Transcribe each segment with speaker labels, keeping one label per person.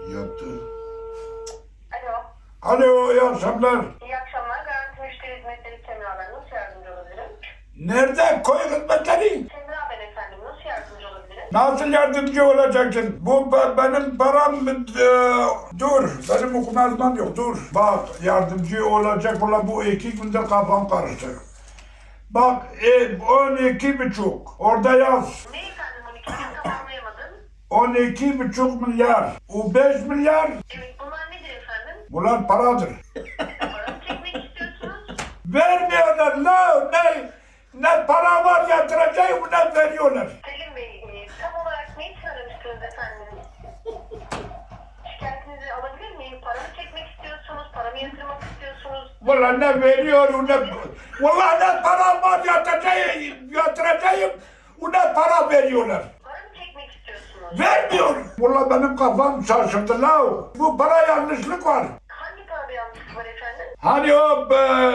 Speaker 1: Yattı.
Speaker 2: Alo.
Speaker 1: Alo, iyi akşamlar.
Speaker 2: İyi akşamlar. Garanti Müşteri Hizmetleri Semra ben. Nasıl yardımcı olabilirim?
Speaker 1: Nerede koy hizmetleri?
Speaker 2: Semra ben efendim. Nasıl yardımcı olabilirim?
Speaker 1: Nasıl yardımcı olacaksın? Bu benim param... dur, benim okuma yazmam yok, dur. Bak, yardımcı olacak olan bu 2 günde kafam karıştı. Bak, 12,5. Orada yaz.
Speaker 2: Ne efendim? 12 bin tamamlayamadım.
Speaker 1: 12,5 milyar. O 5 milyar.
Speaker 2: Evet bunlar nedir efendim?
Speaker 1: Bunlar paradır.
Speaker 2: Paramı çekmek istiyorsunuz.
Speaker 1: Vermiyorlar la. Ne para var yatıracağım ne veriyorlar.
Speaker 2: Selim Bey tam olarak ne için aramıştınız efendim? Şikayetinizi alabilir miyim? Paramı çekmek istiyorsunuz. Paramı yatırmak istiyorsunuz.
Speaker 1: Valla ne veriyor ne... Valla ne para var yatıracağım ne para veriyorlar.
Speaker 2: Paramı çekmek istiyorsunuz.
Speaker 1: Vermiyor. Valla benim kafam şaşırdı la. Bu para yanlışlık var.
Speaker 2: Hangi parada yanlışlık var efendim?
Speaker 1: Hani o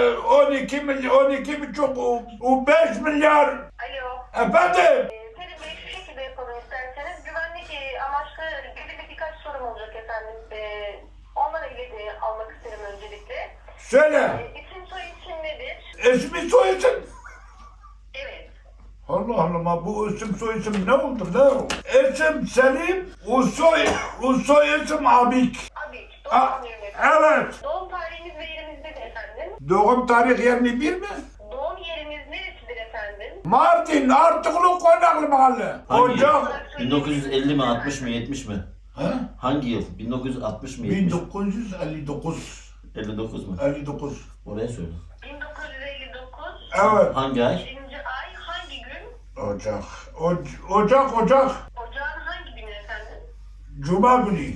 Speaker 1: 12,5 o 5 milyar.
Speaker 2: Alo.
Speaker 1: Efendim?
Speaker 2: Selim Bey şu şekilde yapalım isterseniz. Güvenlik amaçlı belirli birkaç sorum olacak efendim. Onlarla ilgili almak isterim öncelikle.
Speaker 1: Söyle.
Speaker 2: İsim soy isim nedir?
Speaker 1: İsmi soy isim.
Speaker 2: Evet.
Speaker 1: Allah Allah bu isim soy isim ne oldu la? İsim Selim, o soy isim Abik.
Speaker 2: Abi
Speaker 1: A-
Speaker 2: doğum anlıyorum efendim.
Speaker 1: evet.
Speaker 2: Doğum tarihiniz ve yeriniz nedir efendim?
Speaker 1: Doğum tarih 21 mi?
Speaker 2: Doğum yeriniz neresidir efendim?
Speaker 1: Mardin, Artuklu, Konaklı Mahalle.
Speaker 3: Hangi?
Speaker 1: Ocak.
Speaker 3: 1950 mi, 60 mı, 70 mi?
Speaker 1: He?
Speaker 3: Hangi yıl? 1960 mı, 70 mi?
Speaker 1: 1959.
Speaker 3: 59 mu?
Speaker 1: 59.
Speaker 3: Oraya söyle.
Speaker 2: 1959.
Speaker 1: Evet.
Speaker 3: Hangi ay?
Speaker 2: Birinci ay hangi gün?
Speaker 1: Ocak. Ocak.
Speaker 2: Ocağın hangi günü efendim?
Speaker 1: Cuma günü.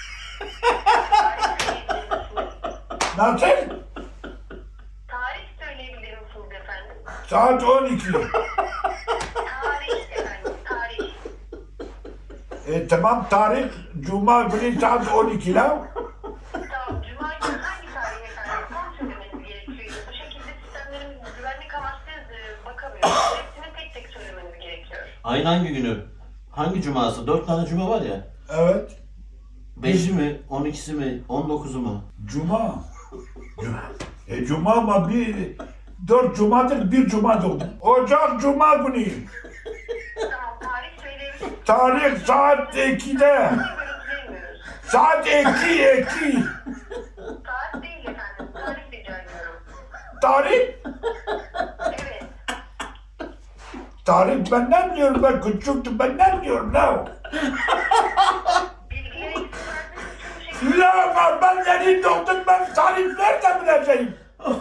Speaker 2: Tarih söyleyebilir misiniz?
Speaker 1: Nasıl?
Speaker 2: Tarih söyleyebilir misiniz efendim?
Speaker 1: Saat 12.
Speaker 2: Tarih efendim, tarih.
Speaker 1: Tamam tarih Cuma günü saat 12 la.
Speaker 2: Tamam, Cuma günü hangi tarih efendim? Tam söylemeniz gerekiyor. Bu şekilde sistemlerimiz güvenlik amaçlı bakamıyor. Hepsini tek tek söylemeniz gerekiyor.
Speaker 3: Ayın hangi günü? Hangi cuması? 4 tane cuma var ya.
Speaker 1: Evet.
Speaker 3: 5'i mi, 12'si mi, 19'u mu?
Speaker 1: Cuma. Cuma ama 4 Cuma'dır, 1 Cuma doğdu. Ocak Cuma günü.
Speaker 2: Tamam, tarih söyleyebilir misiniz?
Speaker 1: Tarih saat 2'de.
Speaker 2: Görüntüleyemiyoruz.
Speaker 1: Saat 2.
Speaker 2: Saat değil efendim, tarih rica ediyorum.
Speaker 1: Tarih?
Speaker 2: Evet.
Speaker 1: Tarih ben ne biliyorum, ben küçüktüm, ben ne biliyorum la.
Speaker 2: Bilgileri eksik verdiğiniz için bu şekilde...
Speaker 1: La ben yeni doğdum, ben tarih nerede bileceğim?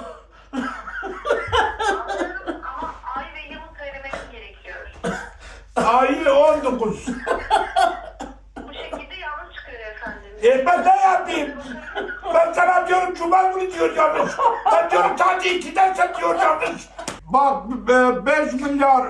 Speaker 2: Anlıyorum ama ay ve yılı söylemeniz gerekiyor.
Speaker 1: Ayı 19.
Speaker 2: Bu şekilde yanlış çıkıyor efendim.
Speaker 1: Ben ne yapayım? Ben sana diyorum Cuma günü diyor yanlış. Ben diyorum sadece 2'den sen diyor yanlış. Bak 5 milyar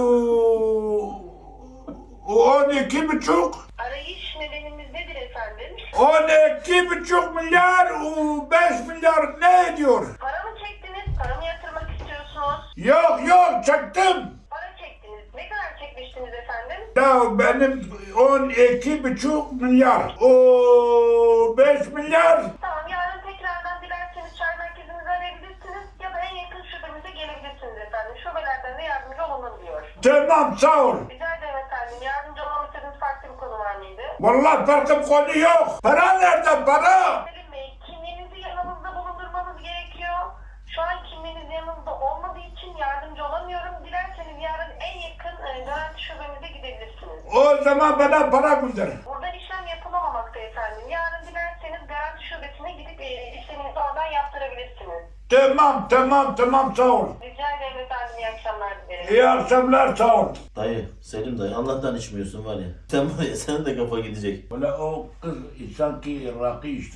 Speaker 1: 12,5
Speaker 2: Arayış nedenimiz nedir efendim?
Speaker 1: 12,5 milyar 5 milyar ne ediyor?
Speaker 2: Para mı çektiniz? Para mı yatırmak istiyorsunuz?
Speaker 1: Yok çektim.
Speaker 2: Para çektiniz. Ne kadar çekmiştiniz efendim?
Speaker 1: Ya benim 12,5 milyar. O 5 milyar.
Speaker 2: Tamam yarın tekrardan dilerseniz çay merkezimizi arayabilirsiniz ya da en yakın şubemize gelebilirsiniz efendim. Şubelerden de yardımcı olunabiliyor.
Speaker 1: Tamam sağ ol.
Speaker 2: Rica ederim efendim. Yardımcı olmamı istediğiniz farklı bir konu var mıydı?
Speaker 1: Vallahi farkım konu yok. Para nerede para?
Speaker 2: Selim Bey, kimliğinizi yanınızda bulundurmanız gerekiyor. Şu an kimliğiniz yanınızda olmadığı için yardımcı olamıyorum. Dilerseniz yarın en yakın garanti şubemize gidebilirsiniz.
Speaker 1: O zaman bana para gönder.
Speaker 2: Buradan işlem yapılamamakta efendim. Yarın dilerseniz garanti şubesine gidip işleminizi oradan yaptırabilirsiniz.
Speaker 1: Tamam sağ ol.
Speaker 2: Rica ederim efendim. İyi akşamlar dilerim.
Speaker 1: İyi akşamlar sağ ol.
Speaker 3: Dayı, Selim dayı, Allah'tan içmiyorsun var ya. Sen var ya, senin de kafa gidecek.
Speaker 1: Böyle o kız sanki rakı içti.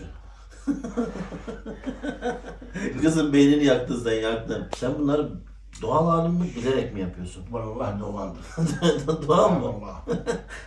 Speaker 3: Kızın beynini yaktın sen, yaktın. Sen bunları doğal halin mi, bilerek mi yapıyorsun?
Speaker 1: Vallahi doğaldı.
Speaker 3: Doğal mı?
Speaker 1: Vallahi.